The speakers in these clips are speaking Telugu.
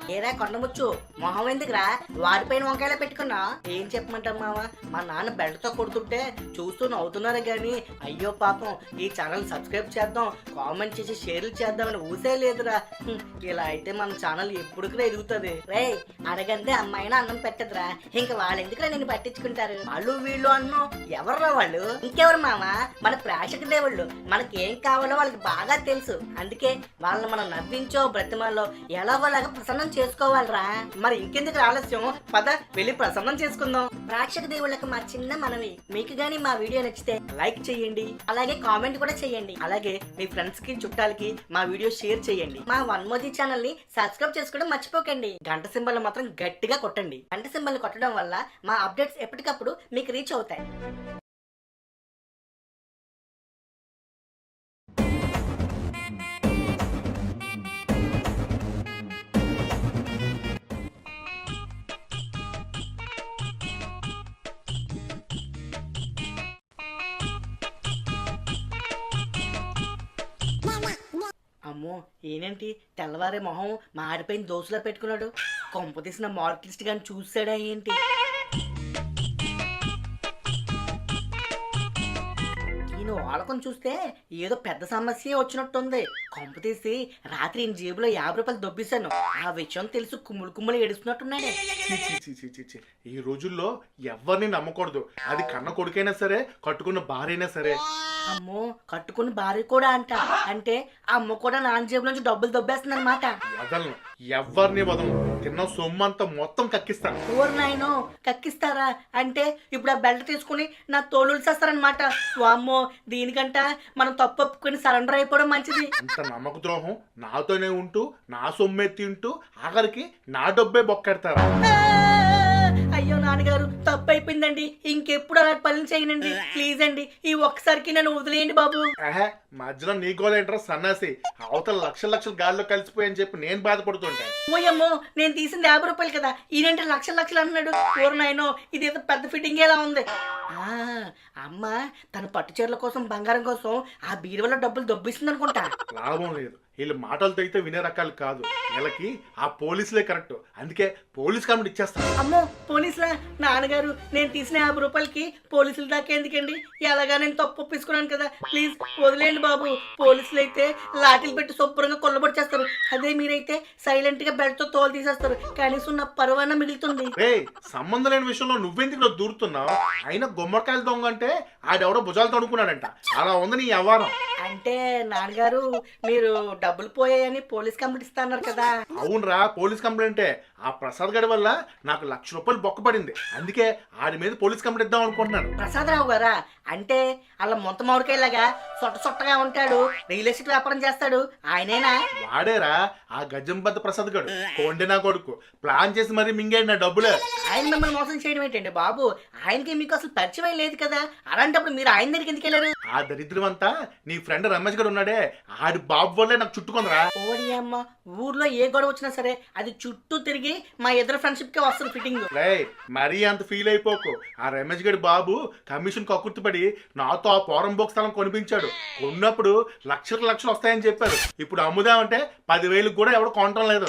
ఏరా కొండముచ్చు మొహం ఎందుకురా వాడిపైన వంకాయలా పెట్టుకున్నా? ఏం చెప్పమంటాం మామ, మా నాన్న బెల్ట్తో కొడుతుంటే చూస్తూ నవ్వుతున్నారు గాని అయ్యో పాపం ఈ ఛానల్ సబ్స్క్రైబ్ చేద్దాం, కామెంట్ చేసి షేర్లు చేద్దామని ఊసే లేదురా. ఇలా అయితే మన ఛానల్ ఎప్పుడుకునే ఎదుగుతుంది. రే అడగంటే అమ్మాయినా అన్నం పెట్టదురా, ఇంకా వాళ్ళు ఎందుకురా నేను పట్టించుకుంటారు? వాళ్ళు వీళ్ళు అన్నం ఎవర్రా వాళ్ళు? ఇంకెవరు మామ, మన ప్రేక్షక దేవుళ్ళు. మనకి ఏం కావాలో వాళ్ళకి బాగా తెలుసు, అందుకే వాళ్ళని మనం నవ్వించో బ్రతిమాలో ఎలాగోలాగా ప్రసన్నం చేసుకోవాలరా. మరి ఇంకెందుకు ఆలస్యం, పద వెళ్ళి ప్రసన్నం చేసుకుందాం. ప్రేక్షక దేవుళ్ళకి మా చిన్న మనవి, మీకు గానీ మా వీడియో నచ్చితే లైక్ చేయండి, అలాగే కామెంట్ కూడా చేయండి. అలాగే మీ ఫ్రెండ్స్ కి చుట్టాలకి మా వీడియో షేర్ చేయండి. మా వన్ మోజీ ఛానల్ ని సబ్స్క్రైబ్ చేసుకోవడం మర్చిపోకండి. గంట సింబల్ మాత్రం గట్టిగా కొట్టండి. గంట సింబల్ కొట్టడం వల్ల మా అప్డేట్స్ ఎప్పటికప్పుడు మీకు రీచ్ అవుతాయి. అమ్మో ఏంటి తెల్లవారే మొహం మాడిపోయిన దోశలో పెట్టుకున్నాడు? కొంప తీసిన మార్కెట్ గాని చూసాడా ఏంటి? ఈయన వాడకం చూస్తే ఏదో పెద్ద సమస్య వచ్చినట్టుంది. కొంప తీసి రాత్రి ఈయన జేబులో 50 రూపాయలు దొబ్బేశాను, ఆ విషయం తెలుసు కుమ్ములు కుమ్ములు ఏడుస్తున్నట్టున్నాడే. ఈ రోజుల్లో ఎవరిని నమ్మకూడదు, అది కన్న కొడుకైనా సరే కట్టుకున్న భార్యైనా సరే. అమ్మో కట్టుకుని భార్య కూడా అంట, అంటే అమ్మ కూడా నాన్న జేబుల నుంచి డబ్బులు దొబ్బేస్తుంది అనమాట. వదలను, ఎవరిని వదలను, తిన్న సొమ్మంతా మొత్తం కక్కిస్తాను. ఊరు నాయనో కక్కిస్తారా? అంటే ఇప్పుడు ఆ బెల్ట్ తీసుకుని నా తోలు చేస్తారనమాట. వామ్మో, దీనికంట మనం తప్పు ఒప్పుకొని సరెండర్ అయిపోవడం మంచిది. అంత నమ్మక ద్రోహం నాతోనే ఉంటూ నా సొమ్మే తింటూ ఆఖరికి నా డబ్బే బొక్కెడతారా? అయ్యో నాన్నగారు తప్పు అయిపోయిందండి, ఇంకెప్పుడు అలా పనులు చేయనండి ప్లీజ్ అండి, ఈ ఒక్కసారికి నన్ను వదిలేయండి బాబు. మధ్యలో నీ గోలేంట్రా సన్నాసి, అవతల లక్షల గాల్లో కలిసిపోయని చెప్పి నేను బాధపడుతుంటా. ఓయమ్మో, నేను తీసింది 50 రూపాయలు కదా, ఈయనంటే లక్షలు అంటున్నాడు. ఊరు నాయనో ఇదేదో పెద్ద ఫిట్టింగ్ ఎలా ఉంది. అమ్మ తన పట్టు చీరల కోసం బంగారం కోసం ఆ బీరువాలో డబ్బులు దొబ్బిస్తుంది అనుకుంటా. లాభం లేదు, వీళ్ళు మాటలతో అయితే వినే రకాలు కాదు, వీళ్ళకి ఆ పోలీసులే కరెక్ట్, అందుకే పోలీస్ కంప్లైంట్ ఇచ్చేస్తాను. అమ్మో పోలీసులా? నాన్నగారు నేను తీసిన 50 రూపాయలకి పోలీసులు దాకా ఎందుకండి, ఎలాగా నేను తప్పు ఒప్పించుకున్నాను కదా, ప్లీజ్ వదిలేండి బాబు. పోలీసులు అయితే లాఠీలు పెట్టి శుభ్రంగా కొల్లబడి చేస్తారు, అదే మీరైతే సైలెంట్ గా బెల్ట్ తో తోలు తీసేస్తారు, కనీసం నా పరువన్న మిగులుతుంది. సంబంధం లేని విషయంలో నువ్వెందుకు దూరుతున్నావు? అయినా గుమ్మడికాయలు దొంగ అంటే ఆడెవడో భుజాలతో అనుకున్నాడంట, అలా ఉంది నీ వ్యవహారం. అంటే నాన్నగారు మీరు డబ్బులు పోయాయని పోలీస్ కంప్లైంట్ ఇస్తున్నారు కదా? అవునరా, పోలీస్ కంప్లైంటే. ఆ ప్రసాద్ గడి వల్ల నాకు 1,00,000 రూపాయలు బొక్కపడింది, అందుకే ఆడి మీద పోలీస్ కంప్లైంట్ ఇద్దాం అనుకుంటున్నాను. ప్రసాద్ రావు గారా? అంటే అలా మొత్త మామిడికాయలాగా సొట్టగా ఉంటాడు, రియల్ ఎస్టేట్ వ్యాపారం చేస్తాడు, ఆయనేనా? వాడేరా ఆ గజంబద్ద ప్రసాద్ గడు, కొండే నా కొడుకు. ప్లాన్ చేసి మరి మింగాడు నా డబ్బులే. ఆయన మిమ్మల్ని మోసం చేయడం ఏంటండి బాబు? ఆయనకి మీకు అసలు పరిచయం లేదు కదా, అలాంటప్పుడు మీరు ఆయన దగ్గరికి ఎందుకు వెళ్ళారు? ఆ దరిద్రం అంతా నీ ఫ్రెండ్ రమేష్ గడు ఉన్నాడే, ఆడి బాబు వల్లే నాకు చుట్టుకుందరా. ఓడి అమ్మ, ఊర్లో ఏ గొడవ వచ్చినా సరే అది చుట్టూ తిరిగి మా ఇద్దరు ఫ్రెండ్షిప్ కే వస్తుంది ఫిట్టింగ్. మరీ అంత ఫీల్ అయిపోకు. ఆ రమేష్ గడి బాబు కమిషన్ కక్కుర్తిపడి నాతో ఆ పోరం బోక్ స్థలం కొనిపించాడు. కొన్నప్పుడు లక్షలు వస్తాయని చెప్పారు, ఇప్పుడు అమ్ముదామంటే 10,000 కూడా ఎవడు కొనటం లేదు.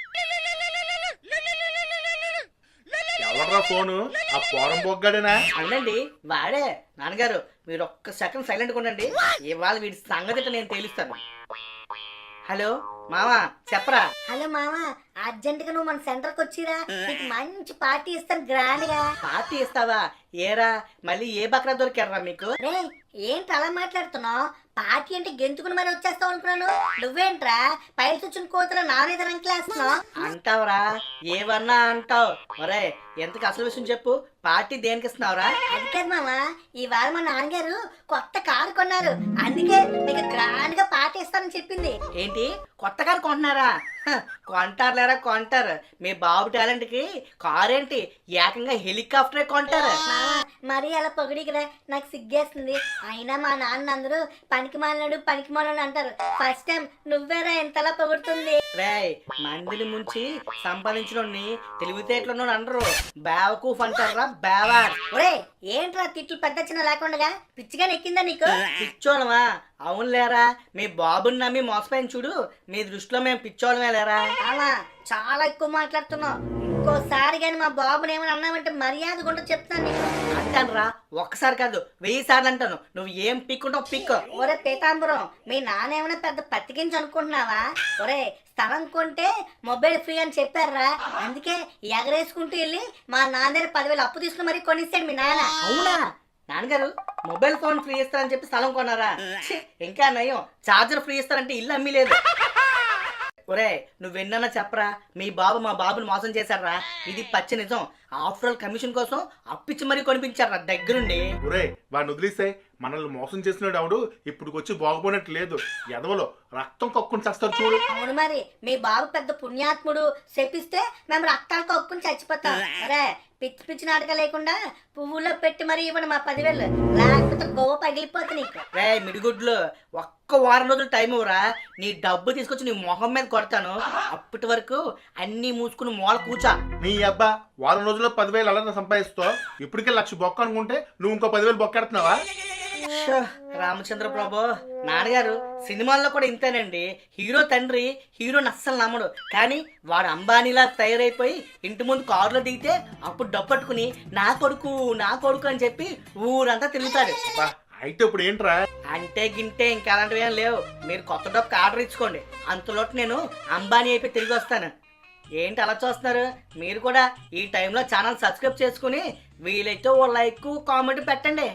ఎవడరా ఫోను? ఆ పోరం బొగ్గాడేనా? అవునండి వాడే. నాన్నగారు మీరు ఒక్క సెకండ్ సైలెంట్గా ఉండండి, ఇవాళ వీడి సంగతి నేను తేలుస్తాను. హలో మావా చెప్పరా? హలో మావా, అర్జెంట్ గా నువ్వు మన సెంటర్ కి వచ్చిరా, నీకు మంచి పార్టీ ఇస్తాను గ్రాండ్ గా. పార్టీ ఇస్తావా? ఏరా మళ్ళీ ఏ బక్రా దొరికారా మీకు? రే ఏంటి అలా మాట్లాడుతున్నావు? పార్టీ అంటే గెంతుకుని మరి వచ్చేస్తావు అనుకున్నాను, నువ్వేంట్రా పైన కూర్చుని కోతలో నానేద రంకిలేస్తున్నావు? అంటావురా, ఏమన్నా అంటావు. ఒరే ఎంతకు అసలు విషయం చెప్పు, పార్టీ దేనికి ఇస్తున్నావురా? అది కాదు మామా, ఈ వారం మా నాన్నగారు కొత్త కారు కొన్నారు, అందుకే నీకు గ్రాండ్ గా పార్టీ ఇస్తానని చెప్పింది. ఏంటి కొత్త కారు కొంటున్నారా? కొంటారులేరా కొంటారు, మీ బాబు టాలెంట్ కి కారు ఏంటి ఏకంగా హెలికాప్టరే కొంటారు. మరీ అలా పొగిడికిరా, నాకు సిగ్గేస్తుంది. అయినా మా నాన్న అందరూ పనికి మాలినాడు అంటారు. ఫస్ట్ టైం నువ్వేరా ఎంతలా పొగుడుతుంది. రేయ్, మందిని ముంచి సంపాదించడాన్ని తెలివితేటలను అనరు, బేవకూఫ్ అంటారా బేవా. ఒరే ఏంట్రా తిట్లు పెద్ద చిన్న లేకుండా పిచ్చిగా నెక్కిందా నీకు? పిచ్చోళమా? అవును లేరా, మీ బాబుని నమ్మి మోసపోయిన చూడు, మీ దృష్టిలో మేము పిచ్చోళమే లేరా. అలా చాలా ఎక్కువ మాట్లాడుతున్నావు. ఇంకోసారి కానీ మా బాబుని ఏమైనా అన్నామంటే మర్యాద కూడా చెప్తాను నీకు. అంటానురా, ఒక్కసారి కాదు 1000 సార్లు అంటాను. నువ్వు ఏం పిక్కుంటావు పిక్. ఒరే పీతాంబరం, మీ నాన్న ఏమైనా పెద్ద పత్తికించి అనుకుంటున్నావా? ఒరే స్థలం కొంటే మొబైల్ ఫ్రీ అని చెప్పారా, అందుకే ఎగరేసుకుంటూ వెళ్ళి మా నాన్న దగ్గర 10,000 అప్పు తీసుకుని మరీ కొనిస్తాడు మీ నాన్న. అవునా? నాన్నగారు మొబైల్ ఫోన్ ఫ్రీ ఇస్తారని చెప్పి స్థలం కొన్నారా? ఛీ, ఇంకా నయం, చార్జర్ ఫ్రీ ఇస్తారంటే ఇల్లు అమ్మి లేదు. ఒరే నువ్వెన్నా చెప్పరా, మీ బాబు మా బాబుని మోసం చేశారా? ఇది పచ్చి నిజం. ఆఫ్టర్ ఆల్ కమిషన్ కోసం అప్పిచ్చి మరీ కొనిపించారా దగ్గరుండి. ఒరే వాడిని వదిలేస్తే మనల్ని మోసం చేసినాడు ఆవిడు ఇప్పుడు వచ్చి బాగుపోయినట్టు లేదు. ఎదవలో రక్తం కక్కుని చేస్తారు చూడు. అవును మరి, మీ బాబు పెద్ద పుణ్యాత్ముడు, శపిస్తే మేము రక్తాలు కప్పుకుని చచ్చిపోతాం. అరే పిచ్చి పిచ్చి నాటక లేకుండా పువ్వుల్లో పెట్టి మరీ ఇవ్వండి మా 10,000, లేకపోతే గోవ పగిలిపోతుంది నీకు. రే మిడిగుడ్లు, ఒక్క వారం రోజులు టైం ఇవ్వరా, నీ డబ్బు తీసుకొచ్చి నీ మొహం మీద కొడతాను. అప్పటి వరకు అన్ని మూసుకుని మూల కూర్చా. నీ అబ్బా వారం రోజుల్లో 10,000 అలా సంపాదిస్తావు. ఇప్పటికే 1,00,000 బొక్క అనుకుంటే నువ్వు ఇంకో 10,000 బొక్కెడుతున్నావా? రామచంద్ర ప్రభు, నాన్నగారు సినిమాల్లో కూడా ఇంతేనండి. హీరో తండ్రి హీరోని అస్సలు నమ్మడు, కానీ వాడు అంబానీలా తయారైపోయి ఇంటి ముందు కారులో దిగితే అప్పుడు డబ్బట్టుకుని నా కొడుకు అని చెప్పి ఊరంతా తిరుగుతాడు. అయితే ఇప్పుడు ఏంట్రా? అంటే గింటే ఇంకా అలాంటివి ఏం లేవు. మీరు కొత్త డబ్బుకి ఆర్డర్ ఇచ్చుకోండి, అంతలోటి నేను అంబానీ అయిపోయి తిరిగి వస్తాను. ఏంటి అలా చూస్తున్నారు? మీరు కూడా ఈ టైంలో ఛానల్ సబ్స్క్రైబ్ చేసుకుని వీలైతే ఓ లైక్ కామెంట్ పెట్టండి.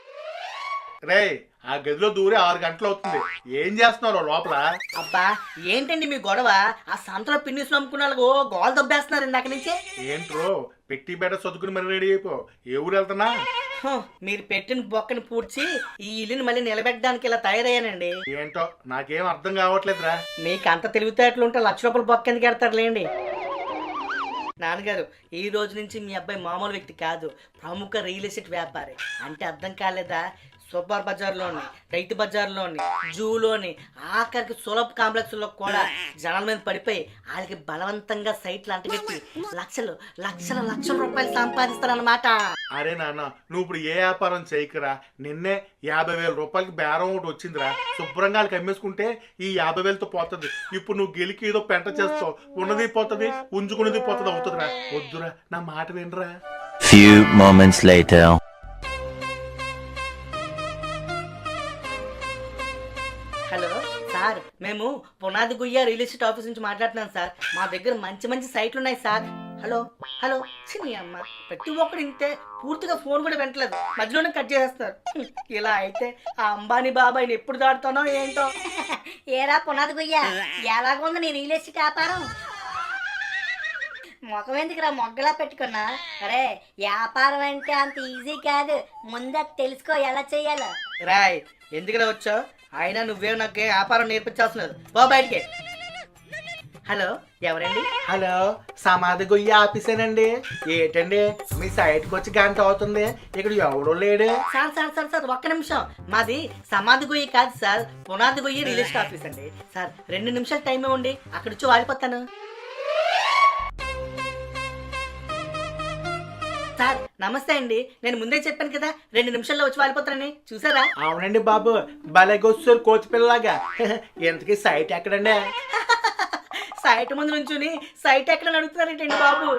రే ఆ గదిలో దూరే 6 గంటలు అవుతుంది. ఏం చేస్తున్నారు లోపల? అబ్బా ఏంటండి మీ గొడవ? ఆ సంతలో పిన్నిస్ నమ్ముకున్న వాళ్ళకు గోల్ దొబ్బేస్తున్నారు ఇందాక నుంచి. ఏంట్రో పెట్టి బెడ చదువుకుని మరి రెడీ అయిపో. ఏ ఊరు వెళ్తున్నా? మీరు పెట్టిన బొక్కని పూడ్చి ఈ ఇల్లుని మళ్ళీ నిలబెట్టడానికి ఇలా తయారయ్యానండి. ఏంటో నాకేం అర్థం కావట్లేదురా. మీకు అంత తెలివితేటలు ఉంటే 1,00,000 రూపాయలు బొక్క ఎందుకు ఎడతారులేండి. నాన్నగారు ఈ రోజు నుంచి మీ అబ్బాయి మామూలు వ్యక్తి కాదు, ప్రముఖ రియల్ ఎస్టేట్ వ్యాపారి. అంటే అర్థం కాలేదా? సూపర్ బజార్లోని, రైతు బజార్లోని, జూలోని, ఆఖరికి సులభ్ కాంప్లెక్స్లో కూడా జనాల మీద పడిపోయి వాళ్ళకి బలవంతంగా సైట్లు అంటగట్టి లక్షల రూపాయలు సంపాదిస్తారన్నమాట. అరే నాన్న నువ్వు ఇప్పుడు ఏ వ్యాపారం చేయకురా. నిన్నే 50,000 రూపాయలకి బేరం ఒకటి వచ్చిందిరా. శుభ్రంగా వాళ్ళకి అమ్మేసుకుంటే ఈ 50,000తో పోతుంది. ఇప్పుడు నువ్వు గెలికి ఏదో పెంట చేస్తావు, ఉన్నది పోతుంది, ఉంచుకున్నది పోతుంది అవుతుందిరా. వద్దురా, నా మాట వినరా. Few moments later. Hello sir, మేము పునాది గుయ్య రియల్ ఎస్టేట్ ఆఫీస్ నుంచి మాట్లాడుతున్నాం సార్. మా దగ్గర మంచి సైట్లు ఉన్నాయి సార్. హలో చిన్ని అమ్మ, ప్రతి ఒక్కరు ఇంతే, పూర్తిగా ఫోన్ కూడా వెంటలేదు, మధ్యలోనే కట్ చేసేస్తారు. ఇలా అయితే ఆ అంబానీ బాబాయిని ఎప్పుడు దాడుతానో ఏంటో. ఏరా పునాది గుయ్య, ఎలాగుంది నీ రియల్ ఎస్టేట్ వ్యాపారం? మొఖం ఎందుకురా మొగ్గలా పెట్టుకున్నా? అరే వ్యాపారం అంటే అంత ఈజీ కాదు, ముందే తెలుసుకో ఎలా చెయ్యాలో. రాయ్ ఎందుకులా వచ్చావు? అయినా నువ్వే నాకు వ్యాపారం నేర్పించాల్సినది, పో బయటికి. హలో ఎవరండి? హలో సమాధి గొయ్యి ఆఫీసేనండి. ఏంటండి మీ సైట్కి వచ్చి గంట అవుతుంది, ఇక్కడ ఎవడో లేడు. సార్ ఒక్క నిమిషం. మాది సమాధి గొయ్యి కాదు sir, Punadi Goyyi real estate office అండి. సార్ 2 నిమిషాలు టైం ఇవ్వండి, అక్కడ వచ్చి వాడిపోతాను. సార్ నమస్తే అండి, నేను ముందే చెప్పాను కదా 2 నిమిషాల్లో వచ్చి వాడిపోతానని, చూసారా? అవునండి బాబు, భలేగొస్తారు కోతి పిల్లలాగా. ఎంతకీ సైట్ ఎక్కడండి? సైట్ ముందు నుంచుని సైట్ ఎక్కడ అడుగుతున్నారేంటండి బాబు?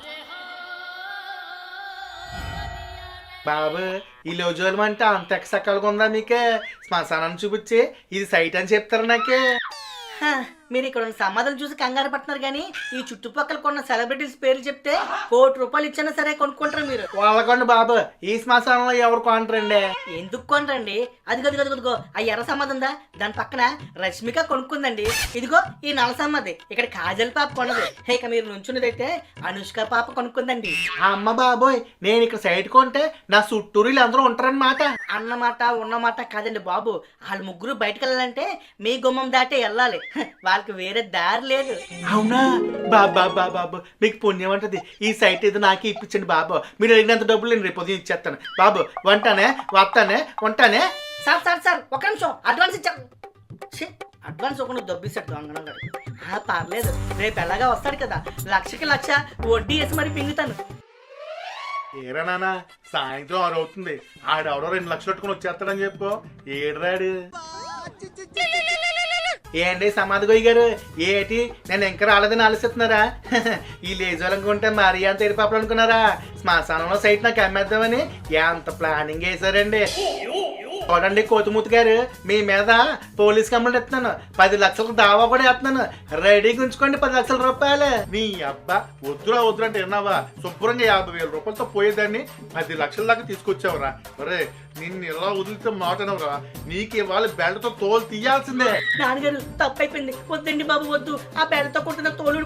బాబు ఈ లోజోలం అంటే అంత ఎక్సక్కలుగా ఉందా మీకే? శ్మశానం చూపించి ఇది సైట్ అని చెప్తారు నాకే. మీరు ఇక్కడ ఉన్న సమాధానం చూసి కంగారు పడుతున్నారు, కానీ ఈ చుట్టుపక్కల కొన్న సెలబ్రిటీస్ పేర్లు చెప్తే 1,00,00,000 రూపాయలు ఇచ్చినా సరే కొనుక్కుంటారు మీరు. వాళ్ళకండి బాబు, ఈ శ్మశానంలో ఎవరు కొనరండి. ఎందుకు కొనరండి? అదిగో ఆ ఎర్ర సమాధి ఉందా, దాని పక్కన రష్మిక కొనుక్కుందండి. ఇదిగో ఈ నల్ల సమాధి ఇక్కడ కాజల్ పాప కొనదు. ఇక మీరు నుంచున్నదైతే అనుష్క పాప కొనుక్కుందండి. అమ్మ బాబోయ్, నేను ఇక్కడ సైట్ కొంటే నా చుట్టూరు వీళ్ళందరూ ఉంటారనమాట. అన్నమాట ఉన్నమాట కాదండి బాబు, వాళ్ళు ముగ్గురు బయటకు వెళ్ళాలంటే మీ గుమ్మం దాటే వెళ్ళాలి. వాళ్ళకి వేరే దారి లేదు. అవునా బాబు మీకు పుణ్యం అంటది. ఈ సైట్ ఏదో నాకే ఇప్పించండి బాబు. మీరు అడిగినంత డబ్బులు నేను రేపు ఉదయం ఇచ్చేస్తాను బాబు. వంటానే ఉంటానే. సార్ ఒక నిమిషం అడ్వాన్స్ ఇచ్చాను. అడ్వాన్స్ ఒకటి దొబ్బిస్తాడు దొంగనం గారు. పర్లేదు, రేపు ఎలాగా వస్తాడు కదా, 1,00,000 వడ్డీ వేసి మరి పింగుతాను. ఏరా నాన్న, సాయంత్రం 6 అవుతుంది. ఆడెవడో 2 లక్షలు పెట్టుకుని వచ్చేస్తాడని చెప్పు. ఏడ్రాడు. ఏంటి సమాధి గొయ్యి గారు, ఏటి నేను ఇంకా రాలేదని ఆలోచిస్తున్నారా? ఈ లేజాలనుకుంటే మరీ అంత ఎరిపాపలు అనుకున్నారా? శ్మశానంలో సైట్ నాకు అమ్మేద్దామని ఎంత ప్లానింగ్ వేసారండి. చూడండి కోతిమూతి గారు, మీ మీద పోలీస్ కంప్లైంట్ ఇస్తున్నాను. 10 లక్షలకు దావా కూడా వేస్తున్నాను. రెడీగా ఉంచుకోండి 10 లక్షల రూపాయలు. నీ అబ్బా వద్దురా అంటే విన్నావా? శుభ్రంగా 50,000 రూపాయలతో పోయేదాన్ని 10 లక్షల దాకా తీసుకొచ్చావురా. ఒరే నిన్ను ఇలా వదిలితే మాటనవరా, నీకు ఇవాళ బెల్ట్తో తోలు తీయాల్సిందే. నాన్నగారు తప్పైపోయింది, వద్దండి బాబు వద్దు. ఆ బెడతో కొట్టిన తోలు